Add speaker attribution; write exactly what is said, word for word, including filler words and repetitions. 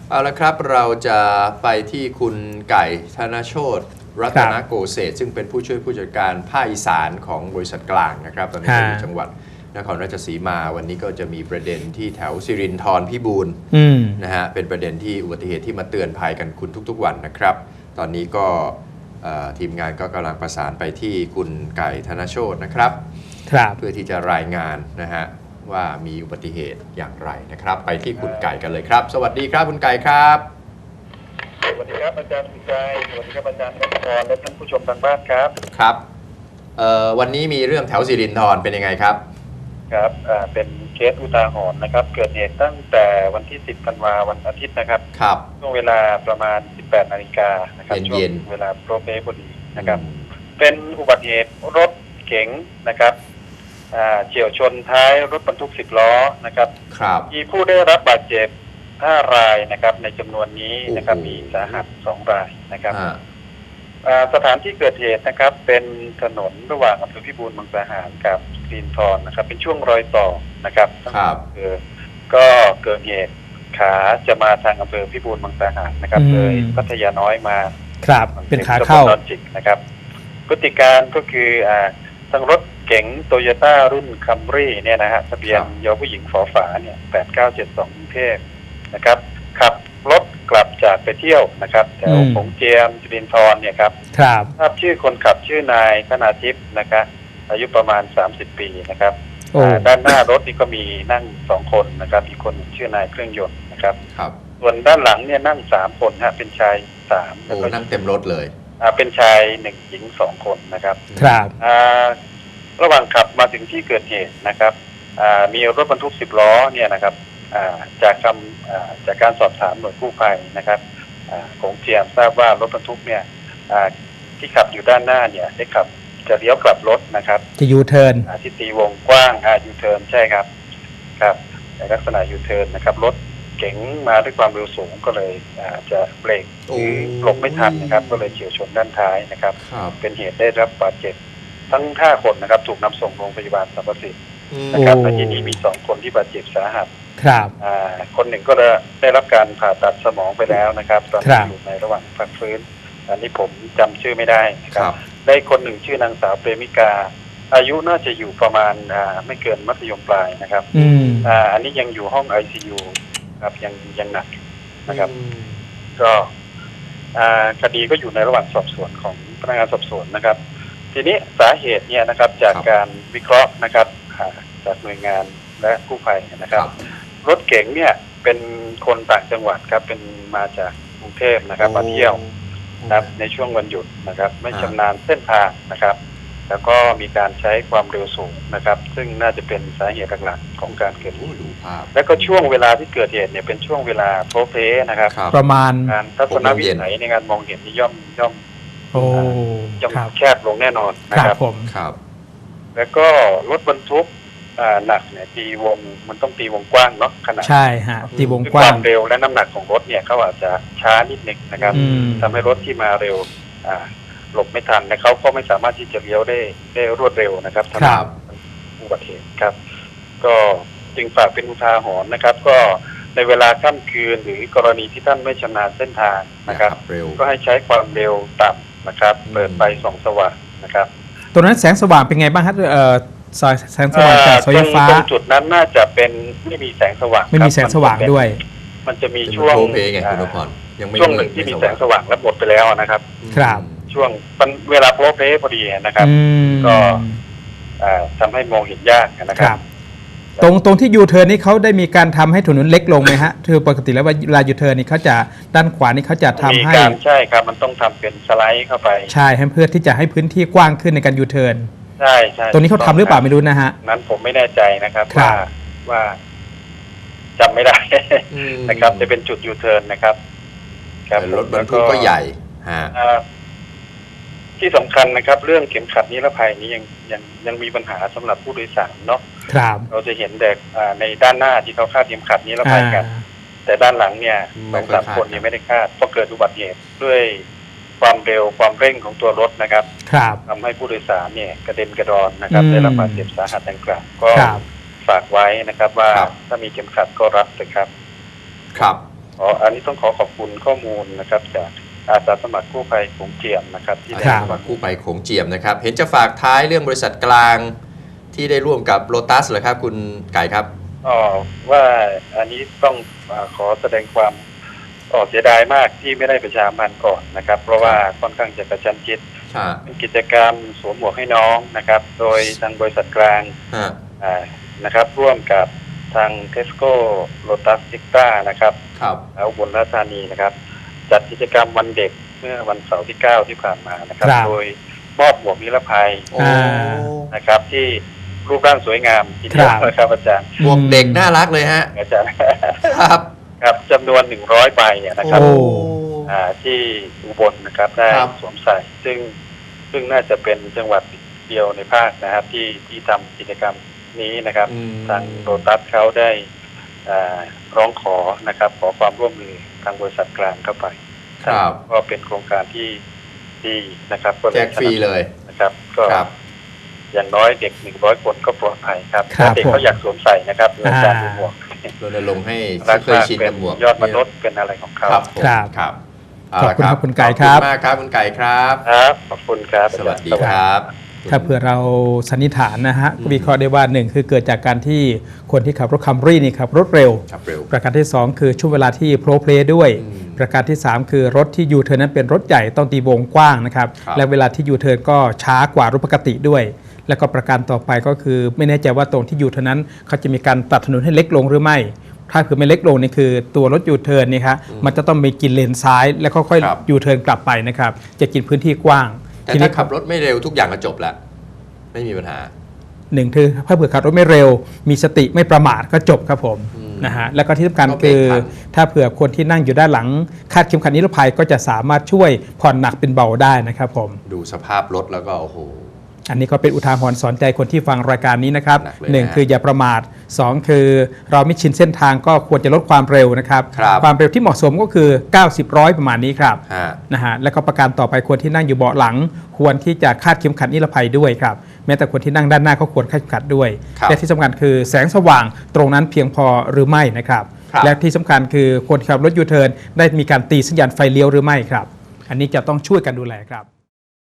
Speaker 1: เอาละครับเราจะไปที่คุณไก่ธนโชติรัตนโกเศษซึ่งเป็นผู้ช่วยผู้จัดการภาคอีสานของบริษัทกลางนะครับตอนนี้อยู่จังหวัดนครราชสีมาวันนี้ก็จะมีประเด็นที่แถวสิรินธรพิบูลนะฮะเป็นประเด็นที่อุบัติเหตุที่มาเตือนภัยกันคุณทุกๆวันนะครับตอนนี้ก็ทีมงานก็กำลังประสานไปที่คุณไก่ธนโชตินะครับเพื่อที่จะรายงานนะฮะว่ามีอุบัติเหตุอย่างไรนะครับไปที่คุณไก่กันเลยครับสวัสดีครับคุณไก่ครับ
Speaker 2: สวัสดีครับอาจารย์สุชัยสวัสดีครับอาจารย์รัตพรและท่านผู้ชมทางบ้านครับ
Speaker 1: ครับวันนี้มีเรื่องแถวสิรินธรเป็นยังไงครับ
Speaker 2: ครับเป็นเคสอุทาหรณ์นะครับเกิดเหตุตั้งแต่วันที่สิบธันวาวันอาทิตย์นะครับ
Speaker 1: ครับ
Speaker 2: ช่วงเวลาประมาณสิบแปดนาฬิกานะครับ
Speaker 1: ช่วง
Speaker 2: เวลาโปรเปพอดีนะครับเป็นอุบัติเหตุรถเก๋งนะครับเฉี่ยวชนท้ายรถบรรทุกสิบล้อนะครับมีผู้ได้รับบาดเจ็บห้ารายนะครับในจำนวนนี้นะครับมีสาหัสสองรายนะครับสถานที่เกิดเหตุนะครับเป็นถนนระหว่างอำเภอพิบูลมังสาหารกับสิรินธรนะครับเป็นช่วงรอยต่อนะครับคือก็เกิดเหตุขาจะมาทางอำเภอพิบูลมังสาหารนะครับเลยพัทยาน้อยมา
Speaker 3: ครับเป็นขาเข้า
Speaker 2: จิกนะครับพฤติการก็คืออ่าทางรถเก๋งโตโยต้ารุ่นคัมรี่เนี่ยนะฮะทะเบียนยอผู้หญิงฝอฝาเนี่ยแปดเก้าเจ็ดสองกรุงเทพนะครับขับรถกลับจากไปเที่ยวนะครับแถวผงเจียมสิรินธรเนี่ยครับ
Speaker 3: ครับ
Speaker 2: ทราบชื่อคนขับชื่อนายธนาทิพย์นะครับอายุประมาณสามสิบปีนะครับด้านหน้ารถนี่ก็มีนั่งสองคนนะครับอีกคนชื่อนายเครื่องยนต์นะครับ
Speaker 1: ครับ
Speaker 2: ส่วนด้านหลังเนี่ยนั่งสามคนฮะเป็นชายสาม
Speaker 1: โอ้นั่งเต็มรถเลย
Speaker 2: อ่าเป็นชายหนึ่งหญิงสองคนนะครับ
Speaker 3: ครับ
Speaker 2: อ่าระหว่างขับมาถึงที่เกิดเหตุนะครับมีรถบรรทุกสิบล้อเนี่ยนะครับจากคำจากการสอบถามหน่วยกู้ภัยนะครับของเจียมทราบว่ารถบรรทุกเนี่ยที่ขับอยู่ด้านหน้าเนี่ยได้ขับจะเลี้ยวกลับรถนะครับ
Speaker 3: จะยูเทิร์น
Speaker 2: ที่ตีวงกว้างยูเทิร์นใช่ครับครับในลักษณะยูเทิร์นนะครับรถเก๋งมาด้วยความเร็วสูงก็เลยจะเบรกหรือหลบไม่ทันนะครับก็เลยเฉี่ยวชนด้านท้ายนะครับเป็นเหตุได้รับบาดเจ็บทั้งห้าคนนะครับถูกนำส่งโรงพยาบาลสรรพสิทธิ์นะครับและที่นี้มีสองคนที่บาดเจ็บสาหัส
Speaker 3: ครับ
Speaker 2: อ่าคนหนึ่งก็ได้รับการผ่าตัดสมองไปแล้วนะครับตอนนี้อยู่ในระหว่างพักฟื้นอันนี้ผมจำชื่อไม่ได้นะครับได้คนหนึ่งชื่อนางสาวเปรมิกาอายุน่าจะอยู่ประมาณอ่าไม่เกินมัธยมปลายนะครับอ่าอันนี้ยังอยู่ห้อง ไอ ซี ยู ครับยังยังหนักนะครับก็อ่าคดีก็อยู่ในระหว่างสอบสวนของพนักงานสอบสวนนะครับทีนี้สาเหตุเนี่ยนะครับจากการวิเคราะห์นะครับจากหน่วยงานและกู้ภัยนะครับรถเก๋งเนี่ยเป็นคนต่างจังหวัดครับเป็นมาจากกรุงเทพนะครับมาเที่ยวนะครับในช่วงวันหยุดนะครับไม่ชำนาญเส้นทางนะครับแล้วก็มีการใช้ความเร็วสูงนะครับซึ่งน่าจะเป็นสาเหตุหลักๆของการเกิดอุบัติเหตุแล้วก็ช่วงเวลาที่เกิดเหตุเนี่ยเป็นช่วงเวลาโพลเพลนะครับ
Speaker 3: ประมาณ
Speaker 2: การทัศนวิสัยในการมองเห็นนี่ย่อมย่อม
Speaker 3: โอ้
Speaker 2: ย่อมแคบลงแน่นอนนะครับ
Speaker 3: ผม
Speaker 1: ครับ
Speaker 2: แล้วก็รถบรรทุกหนักเนี่ยตีวงมันต้องตีวงกว้างเนาะขนาด
Speaker 3: ใช่ฮะตีวงกว้าง
Speaker 2: ความเร็วและน้ำหนักของรถเนี่ยเขาอาจจะช้านิดนึงนะครับทำให้รถที่มาเร็วหลบไม่ทันและเขาก็ไม่สามารถที่จะเลี้ยวได้ได้รวดเร็วนะครับทำให้อุบัติเหตุครับก็จึงฝากเป็นอุทาหรณ์นะครับก็ในเวลาค่ำคืนหรือกรณีที่ท่านไม่ชำนาญเส้นทางนะครับก็ให้ใช้ความเร็วต่ำนะครับเปิดไฟส่องสว่างนะครับ
Speaker 3: ตรงนั้นแสงสว่างเป็นไงบ้างครับเอ่อสายแสงสว่างจากเสาไฟฟ้า
Speaker 2: ตรงจุดนั้นน่าจะเป็นไม่มีแสงสว่าง
Speaker 3: ไม่มีแสงสว่างด้วย
Speaker 2: มันจะมีช่วงช่วงหนึ่งที่มีแสงสว่างแล้วหมดไปแล้วนะครับ
Speaker 3: ครับ
Speaker 2: ช่วงเวลาโพลเพลพอดีนะครับก็ทำให้มองเห็นยากนะครับ
Speaker 3: ตรงตรงที่ยูเทิร์นนี่เขาได้มีการทำให้ถนนเล็กลงไหมฮะคือปกติแล้วเวลายูเทิร์นนี่เขาจะด้านขวานี่เขาจะทำให้
Speaker 2: ใช่ครับมันต้องทำเป็นสไลด์เข้าไป
Speaker 3: ใช่ให้เพื่อที่จะให้พื้นที่กว้างขึ้นในการยูเทิร์น
Speaker 2: ใช่ใช่
Speaker 3: ตรงนี้เขาทำหรือเปล่าไม่รู้นะฮะ
Speaker 2: นั้นผมไม่แน่ใจนะครับว่าว่าจำไม่ได้นะครับจะเป็นจุดยูเทิร์นนะครับ
Speaker 1: รถบรรทุกก็ใหญ่ฮะ
Speaker 2: ที่สำคัญนะครับเรื่องเข็มขัดนิรภัยนี้ยังยังยังมีปัญหาสำหรับผู้โดยสารเนาะเราจะเห็นเด็กในด้านหน้าที่เขาคาดเข็มขัดนิรภัยกันแต่ด้านหลังเนี่ยสองสามคนยังไม่ได้คาดเพราะเกิดอุบัติเหตุด้วยความเร็วความเร่งของตัวรถนะครับทำให้ผู้โดยสารเนี่ยกระเด็นกระดอนนะครับได้รับบาดเจ็บสาหัสดังกล่าวก็ฝากไว้นะครับว่าถ้ามีเข็มขัดก็รับเลยครับ
Speaker 1: ครับ
Speaker 2: อ๋ออันนี้ต้องขอขอบคุณข้อมูลนะครับจากอาสาสมัครกู้ภัยโขงเจียมนะครับที่
Speaker 1: อา
Speaker 2: ได้
Speaker 1: สาสมัครกู้ภัยโขงเจียมนะครับ เห็นจะฝากท้ายเรื่องบริษัทกลางที่ได้ร่วมกับโลตัสเหรอครับคุณไก่ครับ
Speaker 2: อ๋อว่าอันนี้ต้องอาขอแสดงความอ๋อเสียดายมากที่ไม่ได้ประชาสัมพันธ์ก่อนนะครับ เพราะว่าค่อนข้างจะกระชั้นชิด
Speaker 1: ใช่
Speaker 2: เป็นกิจกรรมสวมหมวกให้น้องนะครับ โดยทางบริษัทกลาง
Speaker 1: ฮะ
Speaker 2: อ่านะครับร่วมกับทางเทสโก้โลตัสซิต้านะครับ
Speaker 1: ครับ
Speaker 2: แล้วอุบลราชธานีนะครับ จัดกิจกรรมวันเด็กเมื่อวันเสาร์ที่เก้าที่ผ่านมานะครับ
Speaker 3: ครับ
Speaker 2: โดยมอบหมวกนิรภัย
Speaker 1: โอ้
Speaker 3: อ่า
Speaker 2: นะครับ ที่รูปร่างสวยงามทีเดียว
Speaker 3: ครับ
Speaker 2: นะครับอาจารย์
Speaker 1: พวกเด็กน่ารักเลยฮะ
Speaker 2: อาจารย์
Speaker 1: ครับ
Speaker 2: ครับจำนวนหนึ่งร้อยใบเนี่ยนะครับ
Speaker 3: โอ้
Speaker 2: อ่าที่อุบลนะครับได้
Speaker 1: ครับ
Speaker 2: สวมใส่ ซึ่งซึ่งน่าจะเป็นจังหวัดเดียวในภาคนะครับ ที่ที่ทำกิจกรรมนี้นะครับ
Speaker 1: อืม
Speaker 2: ทางโลตัสเขาได้อ่าร้องขอนะครับ ขอความร่วมมือทางบริษัทกลางเข้าไป
Speaker 1: ครับ
Speaker 2: ก็เป็นโครงการที่ดีนะครับก็เลย
Speaker 1: แจกฟรีเลย
Speaker 2: นะครับ ก็
Speaker 1: ครับ
Speaker 2: อย่างน้อยเด็กหนึ่งร้อยคนก็ปลอดภัยครับ
Speaker 3: ครับ
Speaker 2: ถ้าเด็กเขาอยากสวมใส่นะครับในการ
Speaker 3: อ่า
Speaker 2: ดูหมวก
Speaker 1: รณรงค์ให้
Speaker 2: รัก
Speaker 1: เคย
Speaker 2: มาก
Speaker 1: ชิน
Speaker 2: เป็
Speaker 1: กัน บหมวก
Speaker 2: ยอดมนุษย์เป็นอะไรของเขา
Speaker 1: ครับผม
Speaker 3: ครับ
Speaker 1: ครับ
Speaker 3: ขอบคุณ
Speaker 1: เาละ
Speaker 3: ครับคุณไก่ครับ
Speaker 1: ขอบคุณมากครับคุณไก่ครับ
Speaker 2: ครับขอบคุณครับ
Speaker 1: สวัสดีครับ
Speaker 3: ถ้าเผื่อเราสันนิษฐานนะฮะ
Speaker 1: อืม
Speaker 3: วิเคราะห์ได้ว่าหนึ่งคือเกิดจากการที่คนที่ขับรถคัมรี่นี่ขับรถเร็ว
Speaker 1: ครับเร็ว
Speaker 3: ประการที่สองคือช่วงเวลาที่โพลเพลย์ด้วย
Speaker 1: อืม
Speaker 3: ประการที่สามคือรถที่ยูเทิร์นนั้นเป็นรถใหญ่ต้องตีวงกว้างนะครับ
Speaker 1: ครับ
Speaker 3: และเวลาที่ยูเทิร์นก็ช้ากว่ารถปกติด้วย แล้วก็ประการต่อไปก็คือไม่แน่ใจว่าตรงที่ยูเทิร์นนั้นเขาจะมีการตัดถนนให้เล็กลงหรือไม่ ถ้าคือไม่เล็กลงนี่คือตัวรถยูเทิร์นนี่ครับมันจะต้องมีกินเลนซ้าย แล้วค่อย
Speaker 1: ครับ
Speaker 3: ๆยูเทิร์นกลับไปนะครับจะกินพื้นที่กว้าง
Speaker 1: แต่
Speaker 3: ที
Speaker 1: ถ้า
Speaker 3: นี้
Speaker 1: ขับรถไม่เร็วทุกอย่างก็จบแล้ว ไม่มีปัญหา
Speaker 3: หนึ่งคือถ้าเผื่อขับรถไม่เร็ว มีสติไม่ประมาทก็จบครับผม
Speaker 1: อืม
Speaker 3: นะฮะแล้วก็ที่สำคัญ
Speaker 1: ก็เบร
Speaker 3: คื
Speaker 1: ก
Speaker 3: อ
Speaker 1: ทัน
Speaker 3: ถ้าเผื่อคนที่นั่งอยู่ด้านหลังคาดเข็มขัดนิรภัยก็จะสามารถช่วยผ่อนหนักเป็นเบาได้นะครับผม
Speaker 1: ดูสภาพรถแล้วก็โอ้โห
Speaker 3: อันนี้ก็เป็นอุทาหรณ์สอนใจคนที่ฟังรายการนี้นะครับ
Speaker 1: หนักเลยนะ
Speaker 3: หนึ่งคืออย่าประมาทสองคือเราไม่ชินเส้นทางก็ควรจะลดความเร็วนะครับ
Speaker 1: ครับ
Speaker 3: ความเร็วที่เหมาะสมก็คือ เก้าสิบ ร้อยประมาณนี้ครับ
Speaker 1: ฮะ
Speaker 3: นะฮะแล้วก็ประการต่อไปคนที่นั่งอยู่เบาะหลัง ควรที่จะคาดเข็มขัดนิรภัยด้วยครับแม้แต่คนที่นั่งด้านหน้าก็ควรคาดเข็มขัดด้วย
Speaker 1: ครับ
Speaker 3: และที่สำคัญคือแสงสว่างตรงนั้นเพียงพอหรือไม่นะครับ
Speaker 1: ครับ
Speaker 3: และที่สำคัญคือคนขับรถยูเทิร์นได้มีการตีสัญญาณไฟเลี้ยวหรือไม่ครับ อันนี้จะต้องช่วยกันดูแลครับ